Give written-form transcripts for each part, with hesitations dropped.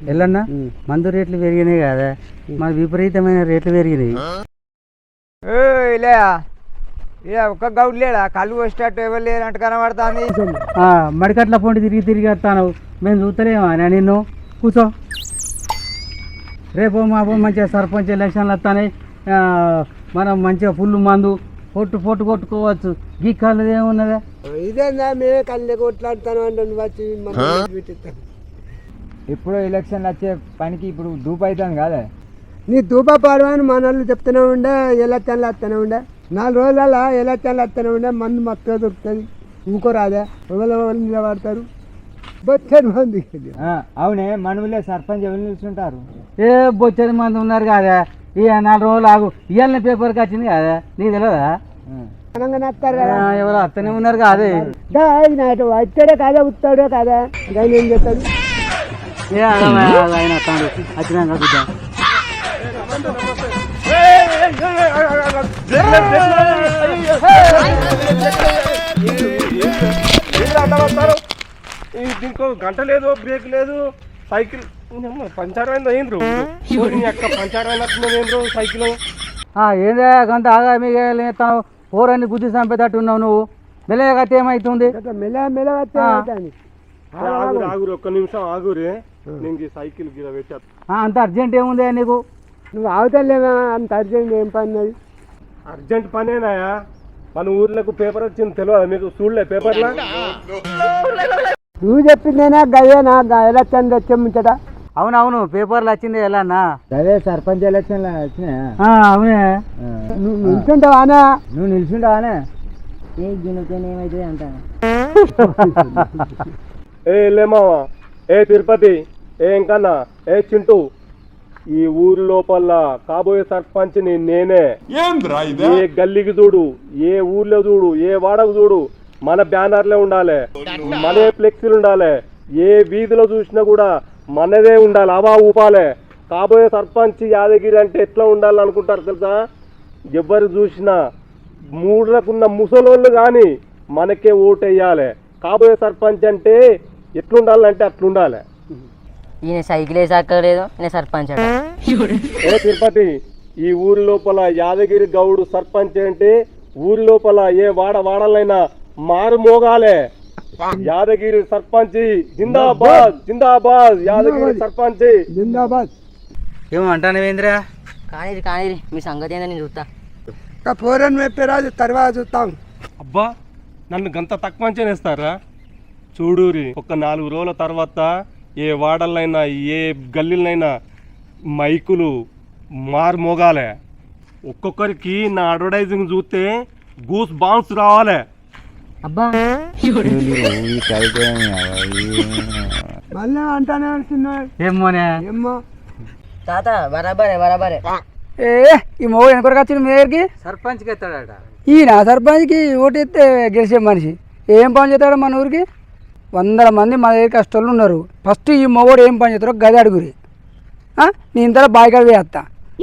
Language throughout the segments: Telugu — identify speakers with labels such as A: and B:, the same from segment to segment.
A: ఎల్లన్నా మందు రేట్లు పెరిగినాయి కదా, మన విపరీతమైన రేట్లు పెరిగినాయి.
B: ఇలా ఒక్క గౌడ్ లేడా? కళ్ళు వచ్చేటట్టు ఎవరు లేనట్టు కనబడుతుంది.
A: మడికట్ల పొంటి తిరిగి తిరిగి వస్తాను, మేము చూస్తలేమా నిన్ను. కూర్చో. రేపు మాపు మంచిగా సర్పంచ్ ఎలక్షన్లు వస్తాయి, మనం మంచిగా ఫుల్ మందు పొట్టు కొట్టుకోవచ్చు. గీ కళ్ళు ఏమున్నదా?
B: ఇదేనా మేమే కళ్ళు కొట్లాడుతాను అంటే వచ్చి ఇప్పుడు ఎలక్షన్లు వచ్చే పనికి ఇప్పుడు దూపు అవుతాను కదా. నీ దూప పాడమని మన వాళ్ళు చెప్తూనే ఉండే, ఎలక్షన్లు వస్తూనే ఉండే. 4 రోజుల ఎలక్షన్లు వస్తూనే ఉండే, మందు మొత్తం దొరుకుతుంది. ఇంకోరాదే ఎవరు నిలబడతారు బొచ్చడి మంది. అవునే మనవులే సర్పంచ్ ఎవరు నిలుచుంటారు?
A: ఏ బొచ్చడి మంది ఉన్నారు కదా. ఇక 4 రోజులు ఆగు, ఇవాళ పేపర్కి వచ్చింది కదా, నీకు తెలియదా? ఎవరు అత్తనే ఉన్నారు కాదే.
B: వచ్చాడే కాదా, ఉత్తాడే కాదా, ఆయన ఏం చెప్తాడు?
A: ఆయన వస్తాడు వచ్చినాక చూద్దాం.
C: దీనికి గంట లేదు, బ్రేక్ లేదు, సైకిల్ పంచర్ అయింది. అయిండ్రు పంచర్ అయినట్టు సైకిల్.
A: ఏందే గంట ఆగా మిగతాను, పోరన్ని గుద్ది చంపేటట్టు ఉన్నావు నువ్వు. మెల్లగతే ఏమైతుంది?
C: ఆగురు, ఒక్క నిమిషం ఆగురే, నేను సైకిల్ గిర పెట్టా.
A: అంత అర్జెంట్ ఏముంది నీకు?
B: నువ్వు అవతలేమా అంత అర్జెంట్ ఏం పని? అది
C: అర్జెంట్ పనేనాయా? మన ఊర్లకు పేపర్ వచ్చింది తెలియదా మీకు? చూడలే పేపర్లా?
B: నువ్వు చెప్పిందేనా గయ్యేనా ఎలక్షన్ వచ్చే ముంచట?
A: అవునవును, పేపర్లు వచ్చింది ఎలా అన్నా.
B: అదే సర్పంచ్ ఎలక్షన్లు వచ్చినాయా?
A: అవునే.
B: నువ్వు నిల్చుంటావానా?
A: నువ్వు నిల్చుంటావానే?
B: ఏమైతే అంట.
C: ఏ లేమావా, ఏ తిరుపతి, ఏ ఇంకన్నా, ఏ చింటూ, ఈ ఊరి లోపల కాబోయే సర్పంచ్ని నేనే. ఏ గల్లీకి చూడు, ఏ ఊర్లో చూడు, ఏ వాడకు చూడు, మన బ్యానర్లే ఉండాలి, మన ఫ్లెక్సీలు ఉండాలి. ఏ వీధిలో చూసినా కూడా మనదే ఉండాలి, అవా ఊపాలే. కాబోయే సర్పంచ్ యాదగిరి అంటే ఎట్లా ఉండాలి అనుకుంటారు తెలుసా? ఎవరు చూసినా మూడులకున్న ముసలోళ్ళు కానీ మనకే ఓటేయాలి. కాబోయే సర్పంచ్ అంటే ఎట్లుండాలంటే అట్లుండాలి.
D: ఈయన సైకిల్ వేసాకలేదు, ఈయన సర్పంచ్.
C: ఏ తిరుపతి, ఈ ఊరి లోపల యాదగిరి గౌడు సర్పంచ్ అంటే ఊరి లోపల ఏ వాడలైనా మారు మోగాలే. యాదగిరి సర్పంచ్ జిందాబాద్, జిందాబాద్, యాదగిరి సర్పంచ్
B: జిందాబాద్.
A: ఏమంటానేంద్రా?
D: కానీ మీ సంగతి ఏందో నేను చూస్తా.
B: పోరని మెప్పేరాజు తర్వాత చూస్తాం.
C: అబ్బా, నన్ను గంత తక్కువ అంచనేస్తారా? చూడూరి, ఒక 4 రోజుల తర్వాత ఏ వాడలైనా ఏ గల్లీలైనా మైకులు మారు మోగాలే. ఒక్కొక్కరికి నా అడ్వర్టైజింగ్ చూస్తే గూస్ బాంబ్స్ రావాలి.
D: అబ్బా
B: మళ్ళీ అంటానే
A: ఏమోనే.
B: ఏమో
D: తాత బరాబరే.
B: ఈ మగ వెనకొరకు వచ్చిన మీ దగ్గరికి
A: సర్పంచ్కి ఎత్తాడట.
B: ఈయన సర్పంచ్కి ఓటు ఎత్తే గెలిచే మనిషి ఏం పని చేస్తాడు? మన ఊరికి 100 మంది మన దగ్గర కష్టాలు ఉన్నారు. ఫస్ట్ ఈ మగోడు ఏం పని చేస్తారో గది అడుగురి. నీ ఇంతలో బాయికాడ వేస్తా.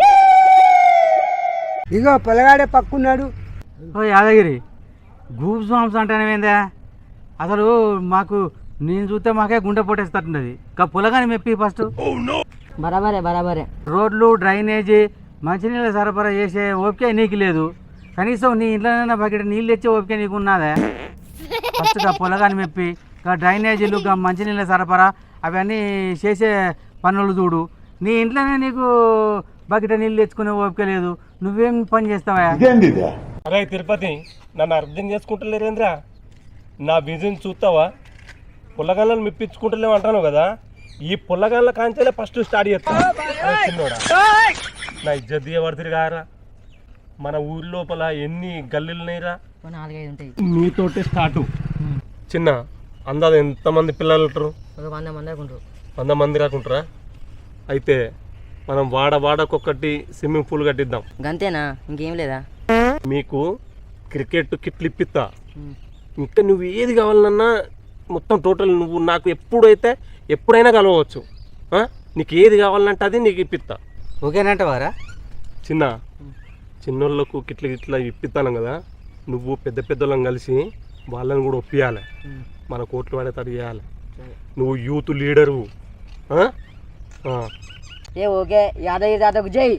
B: ఇగో పొలగాడే పక్కున్నాడు.
A: యాదగిరి, గూప్ సాంగ్స్ అంటానేందా? అసలు మాకు నేను చూస్తే మాకే గుండె పొట్టేస్తట్టున్నది. పొలగాని మెప్పి ఫస్ట్.
D: బరాబరే.
A: రోడ్లు, డ్రైనేజీ, మంచినీళ్ళ సరఫరా చేసే ఓపిక నీకు లేదు. కనీసం నీ ఇంట్లోనైనా బకెట్ నీళ్ళు తెచ్చే ఓపిక నీకు ఉన్నదే? ఫస్ట్ పొలగాని మెప్పి, డ్రైనేజీలు, మంచినీళ్ళ సరఫరా అవన్నీ చేసే పనులు చూడు. నీ ఇంట్లోనే నీకు బకెట్ నీళ్ళు తెచ్చుకునే ఓపిక లేదు, నువ్వేం పని చేస్తావా?
C: అరే తిరుపతి, నన్ను అర్థం చేసుకుంటలేరేంద్రా? నా బిజినెస్ చూస్తావా? పుల్లగాళ్ళని మెప్పించుకుంటలేము అంటాను కదా. ఈ పుల్లగాళ్ళ కాంచెలే ఫస్ట్ స్టార్ట్ చేస్తాను. చిన్నోడా, నా ఇజ్జత్ దిగబడుతుంది కారా. మన ఊరి లోపల ఎన్ని గల్లీలు ఉన్నాయిరా?
D: 4-5 ఉంటాయి.
C: నీతోటే స్టార్టు. చిన్న అందాజ ఎంతమంది పిల్లలు ఉంటారు?
D: 100 మంది అనుకుంటారు.
C: 100 మంది రాకుంటారా? అయితే మనం వాడకొక్కటి స్విమ్మింగ్ పూల్ కట్టిద్దాం.
D: గంతేనా? ఇంకేం లేదా?
C: మీకు క్రికెట్ కిట్లు ఇప్పిస్తా. ఇంకా నువ్వు ఏది కావాలన్నా మొత్తం టోటల్ నువ్వు నాకు ఎప్పుడైనా కలవచ్చు. నీకు ఏది కావాలంటే అది నీకు ఇప్పిస్తా.
A: ఓకేనంటవారా?
C: చిన్నోళ్ళకు గిట్ల ఇప్పిస్తాను కదా. నువ్వు పెద్దోళ్ళని కలిసి వాళ్ళని కూడా ఒప్పియాలి. మన కోట్లు పడేటట్టు చేయాలి. నువ్వు యూత్ లీడరు,
D: ఏ ఓకే యాదగిరి తాతకు జై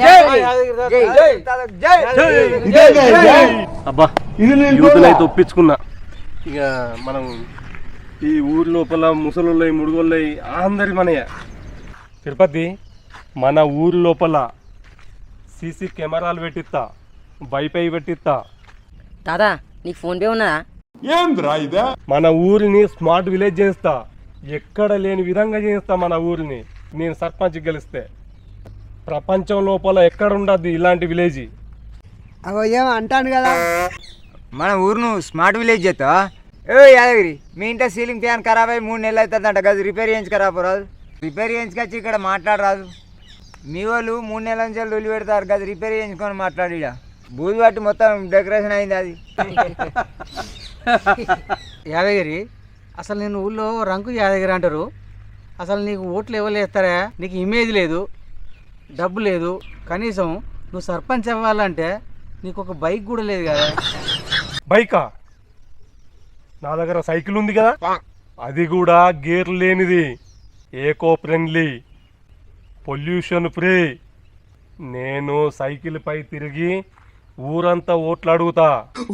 C: అబ్బా యూత్నైతే ఒప్పించుకున్నా. ఇక మనం ఈ ఊరి లోపల ముసలోళ్ళయి ముడుగోళ్ళయి అందరి మనయ్య. తిరుపతి మన ఊరి లోపల సీసీ కెమెరాలు పెట్టిస్తా, వైఫై పెట్టిస్తా.
D: తాత నీకు ఫోన్ పే ఉన్నదా?
C: మన ఊరిని స్మార్ట్ విలేజ్ చేస్తా, ఎక్కడ లేని విధంగా చేస్తా మన ఊరిని. నేను సర్పంచ్ గెలిస్తే ప్రపంచం లోపల ఎక్కడ ఉండద్ది ఇలాంటి విలేజ్.
B: అగో ఏమో అంటాను కదా,
E: మన ఊరును స్మార్ట్ విలేజ్ చేస్తా. ఏ యాదగిరి, మీ ఇంట్లో సీలింగ్ ఫ్యాన్ ఖరాబ్ అయ్యి 3 నెలలు అవుతుందంట కదా, రిపేర్ చేయించుకరాపు రాదు. రిపేర్ చేయించుకొచ్చి ఇక్కడ మాట్లాడరాదు. మీ వాళ్ళు 3 నెలల నుంచి వదిలి పెడతారు కదా, రిపేర్ చేయించుకొని మాట్లాడి. ఇక బూజు పట్టి మొత్తం డెకరేషన్ అయింది అది.
A: యాదగిరి, అసలు నేను ఊళ్ళో రంకు యాదగిరి అంటారు. అసలు నీకు ఓట్లు ఇవ్వలేస్తారా? నీకు ఇమేజ్ లేదు, డబ్బు లేదు, కనీసం నువ్వు సర్పంచ్ అవ్వాలంటే నీకు ఒక బైక్ కూడా లేదు కదా.
C: బైకా? నా దగ్గర సైకిల్ ఉంది కదా, అది కూడా గేర్ లేనిది, ఏకో ఫ్రెండ్లీ, పొల్యూషన్ ఫ్రీ. నేను సైకిల్ పై తిరిగి ఊరంతా ఓట్లు అడుగుతా.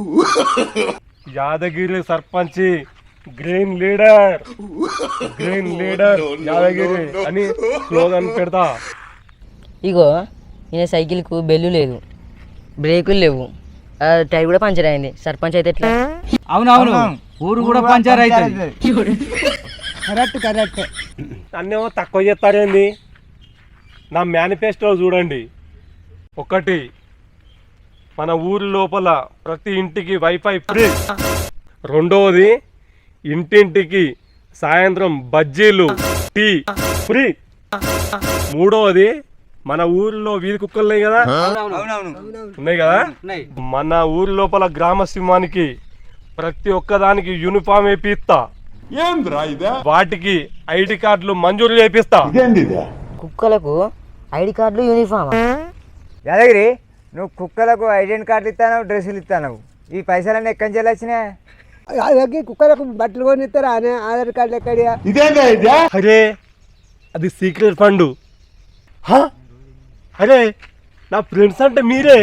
C: Yadagiri sarpanch, green leader, green leader Yadagiri అని స్లోగన్ పెడతా.
D: ఇగో ఈయన సైకిల్కు బెల్లు లేదు, బ్రేకులు లేవు, టైర్ కూడా పంచర్ అయింది. సర్పంచ్ అయితే ఎట్లా?
A: అవునవును, ఊరు కూడా పంచర్ అవుతుంది.
B: కరెక్ట్.
C: నన్నేమో తక్కువ చేస్తారేంది? నా మేనిఫెస్టో చూడండి. 1, మన ఊరి లోపల ప్రతి ఇంటికి వైఫై ఫ్రీ. 2, ఇంటింటికి సాయంత్రం బజ్జీలు, టీ ఫ్రీ. 3, మన ఊరిలో వీధి కుక్కలు ఉన్నాయి కదా, ఉన్నాయి కదా, మన ఊరి లోపల గ్రామ సింహానికి ప్రతి ఒక్కదానికి యూనిఫామ్ వేపిస్తా. వాటికి ఐడి కార్డులు మంజూరు చేపిస్తా.
D: కుక్కలకు ఐడి కార్డులు, యూనిఫామ్.
E: యాదగిరి, నువ్వు కుక్కలకు ఐడెంటి కార్డులు ఇస్తాను, డ్రెస్సులు ఇస్తాను. ఈ పైసలన్నీ ఎక్కడి నుంచి వచ్చినాయి?
B: అలాగే కుక్కలకు బట్టలు కొని ఇస్తారా అనే ఆధార్ కార్డు ఎక్కడియా?
C: అరే అది సీక్రెట్ ఫండ్. అరే నా ఫ్రెండ్స్ అంటే మీరే,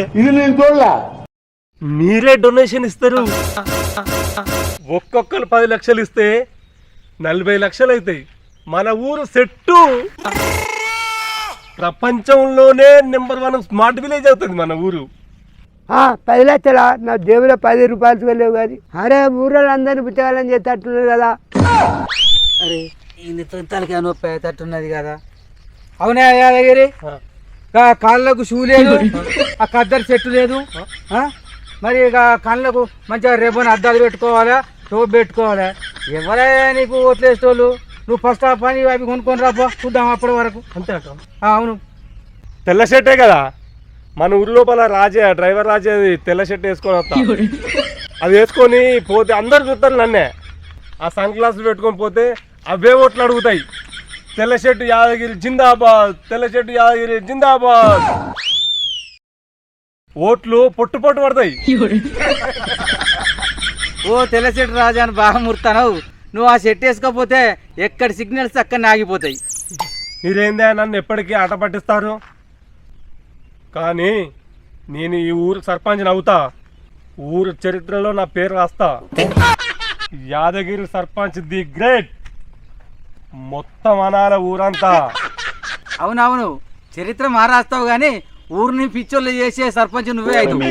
C: మీరే డొనేషన్ ఇస్తారు. ఒక్కొక్కరు 10 లక్షలు ఇస్తే 40 లక్షలు అవుతాయి. మన ఊరు సెట్టు, ప్రపంచంలోనే నెంబర్ 1 స్మార్ట్ విలేజ్ అవుతుంది మన ఊరు.
B: 10 లక్షలా? నా జేబులో 10 రూపాయలు వెళ్ళలేవు కానీ. అరే ఊళ్ళో అందరినీ పుచ్చగాలని చేసేటట్టున్నారు కదా.
A: అరే ఈ తలకి నొప్పి తట్టున్నది కదా. అవునా యాదగిరి, కాళ్ళకు షూ లేదు, ఆ కద్దరు చెట్టు లేదు, మరి ఇక కళ్ళకు మంచిగా రేపని అద్దాలు పెట్టుకోవాలా, టోప్ పెట్టుకోవాలా. ఎవరైనా నీకు ఓట్లేసేటోళ్ళు? నువ్వు ఫస్ట్ ఆ పని అవి కొనుక్కొని రాపో, చూద్దాం అప్పటి వరకు.
C: అంతే.
A: అవును,
C: తెల్ల షర్టే కదా మన ఊరి లోపల. డ్రైవర్ రాజే తెల్ల షర్ట్ వేసుకొని వస్తా. అది వేసుకొని పోతే అందరు చూస్తారు నన్నే. ఆ సన్ గ్లాసులు పెట్టుకొని పోతే అవే ఓట్లు అడుగుతాయి. తెల్ల షర్టు యాదగిరి జిందాబాద్, తెల్ల షర్టు యాదగిరి జిందాబాద్. ఓట్లు పొట్టు పడతాయి.
A: ఓ తెల్ల చెట్టు రాజా అని బాగా ముర్తావు. నువ్వు ఆ షర్ట్ వేసుకోకపోతే ఎక్కడ సిగ్నల్స్ అక్కడ ఆగిపోతాయి.
C: మీరేందే నన్ను ఎప్పటికీ ఆట పట్టిస్తారు? కానీ నేను ఈ ఊరు సర్పంచ్ని అవుతా. ఊరు చరిత్రలో నా పేరు రాస్తా. Yadagiri sarpanch the great. మొత్తం అనాల ఊరంతా.
A: అవునవును, చరిత్ర మారాస్తావు కానీ ఊరిని పిచ్చోళ్ళు చేసే సర్పంచ్ నువ్వే అవుతావు.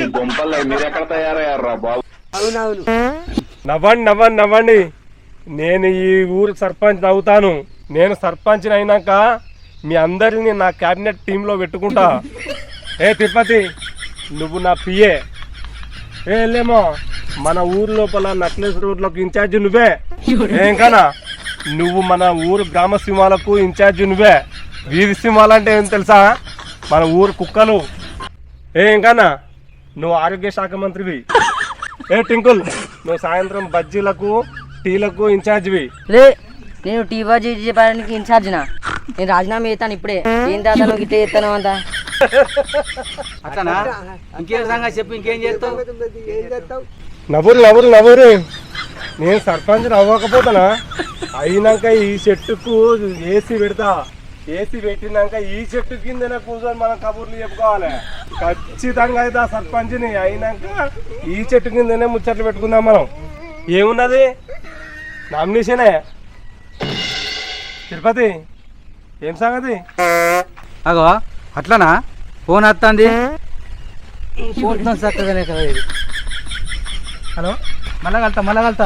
B: అవునవును.
C: నవ్వండి. నేను ఈ ఊరు సర్పంచ్ అవుతాను. నేను సర్పంచ్ అయినాక మీ అందరిని నా క్యాబినెట్ టీంలో పెట్టుకుంటా. ఏ తిరుపతి, నువ్వు నా పిఏ. లేమో మన ఊరు లోపల నక్లెస్ రోడ్లకు ఇన్ఛార్జి నువ్వే. ఏంకనా నువ్వు మన ఊరు గ్రామ సింహాలకు ఇన్ఛార్జి నువ్వే. వీధి సింహాలంటే ఏం తెలుసా? మన ఊరు కుక్కలు. ఏంకన్నా నువ్వు ఆరోగ్య శాఖ మంత్రివి. టింకుల్, నువ్వు సాయంత్రం బజ్జీలకు టీలకు ఇన్ఛార్జివి.
D: లే, నేను టీ బాజీ చెప్పడానికి ఇన్ఛార్జినా? నేను రాజీనామా చేస్తాను ఇప్పుడే. ఏం తాత నువ్వు ఇట్లా చేస్తాను అంతా?
A: అట్లనా? ఇంకేం సంగతి చెప్పు, ఇంకేం చేస్తావు?
B: ఏం చేస్తావు?
C: నవ్వురు. నేను సర్పంచ్ అవ్వకపోతానా? అయినాక ఈ చెట్టుకు ఏసీ పెడతా. ఏసీ పెట్టినాక ఈ చెట్టు కిందనే కూర్చొని మనం కబుర్లు చెప్పుకోవాలి. ఖచ్చితంగా అయితే ఆ సర్పంచ్ని అయినాక ఈ చెట్టు కిందనే ముచ్చట్లు పెట్టుకుందాం మనం. ఏమున్నది నామినేషనే. తిరుపతి ఏం సంగతి?
A: అగో అట్లనా? ఫోన్ వస్తుంది. ఫోన్ చక్కగానే కదా ఇది. హలో మళ్ళా కలుతా.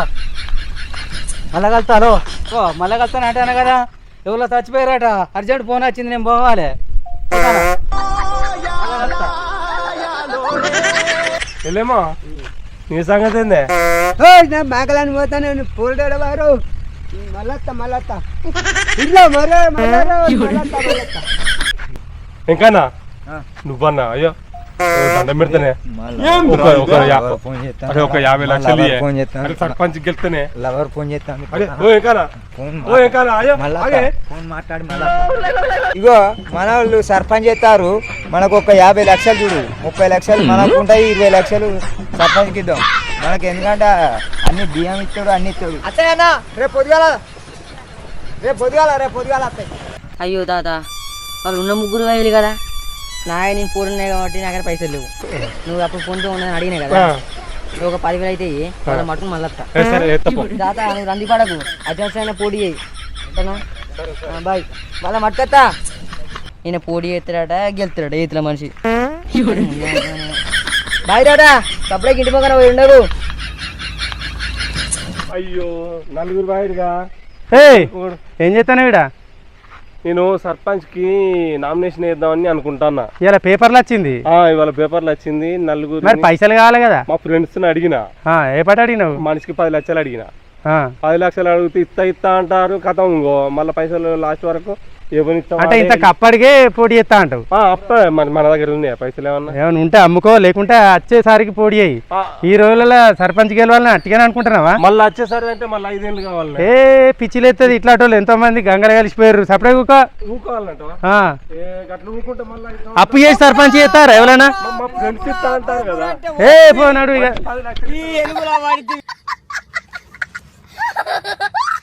A: హలో ఓ మళ్ళా కలుతాను అంటే అన్న కదా, ఎవరో చచ్చిపోయారట, అర్జెంట్ ఫోన్ వచ్చింది, నేను పోవాలి.
C: వెళ్ళేమో నీ సంగతి ఏందే?
B: నేను మేకలని పోతాను పోల్డాడు వారు మళ్ళత్తా ఇట్లా
C: ఇంకానా నువ్వన్నా? అయ్యో దండం పెడితేనే ఒక 50 లక్షలు సర్పంచ్ గెలిస్తేనే
E: ఫోన్ చేస్తాను. ఇగో మన వాళ్ళు సర్పంచ్ చేస్తారు, మనకు ఒక 50 లక్షలు చూడు, 30 లక్షలు మనకు ఉంటాయి, 20 లక్షలు సర్పంచ్కి ఇద్దాం. మనకి ఎందుకంటే అన్ని బియ్యం ఇస్తాడు, అన్ని ఇస్తాడు. అత్తయ్యన్నా రేపు పొద్దుగాల వస్తాయి.
D: అయ్యో తాత, వాళ్ళు ఉన్న 3 వేలు కదా, నేను 4 ఉన్నాయి కాబట్టి నా దగ్గర పైసలు లేవు. నువ్వు అప్పుడు ఫోన్తో ఉన్నదని అడిగినా కదా, నువ్వు ఒక 10,000 అయితే వాళ్ళ మటుకు మళ్ళీ తాత. నువ్వు రంది పడకు, అత్యవసరమైన పోటీ చేయి. బాయ్. మళ్ళీ మట్టుకత్తా. ఈయన పోటీ చేస్తాడట, గెలుస్తాడట ఈతల మనిషి. బాయ్ తాత, సప్లైకి ఇంటి పక్కన పోయి ఉండవు.
C: అయ్యో నలుగురు బాయిగా.
A: ఏం చేస్తాను ఈడ?
C: నేను సర్పంచ్ కి నామినేషన్ వేద్దామని అనుకుంటానా.
A: ఇలా పేపర్లు వచ్చింది.
C: ఇవాళ పేపర్లు వచ్చింది. నలుగురు
A: మరి పైసలు కావాలి కదా.
C: మా ఫ్రెండ్స్ అడిగిన.
A: ఏ పాట అడిగినావు?
C: మనిషికి 10 లక్షలు అడిగిన. 10 లక్షలు అడిగితే ఇస్తా అంటారు, కథం ఇంకో మళ్ళీ పైసలు లాస్ట్ వరకు
A: అంటే ఇంత కప్పడికే పోటీ చేస్తా అంటావు?
C: అప్పుడే మన దగ్గర ఉన్నాయా పైసలు? ఏమన్నా
A: ఉంటే అమ్ముకో, లేకుంటే వచ్చేసరికి పోటీ అయ్యి. ఈ రోజులలో సర్పంచ్ గెలవాలని అట్టిగానే అనుకుంటున్నావా?
C: మళ్ళీ వచ్చేసరికి అంటే మళ్ళీ 5 ఏళ్ళు కావాలి.
A: పిచ్చిలేస్తుంది ఇట్లాంటి వాళ్ళు. ఎంతో మంది గంగలు కలిసిపోయారు. సపరేట్
C: ఊకోవాలంట.
A: అప్పు చేసి సర్పంచ్ చేస్తారా ఎవరైనా?
C: మా ఫ్రెండ్స్ ఇస్తా అంటారు కదా.
A: పోనాడు ఇక.
C: 10 లక్షలు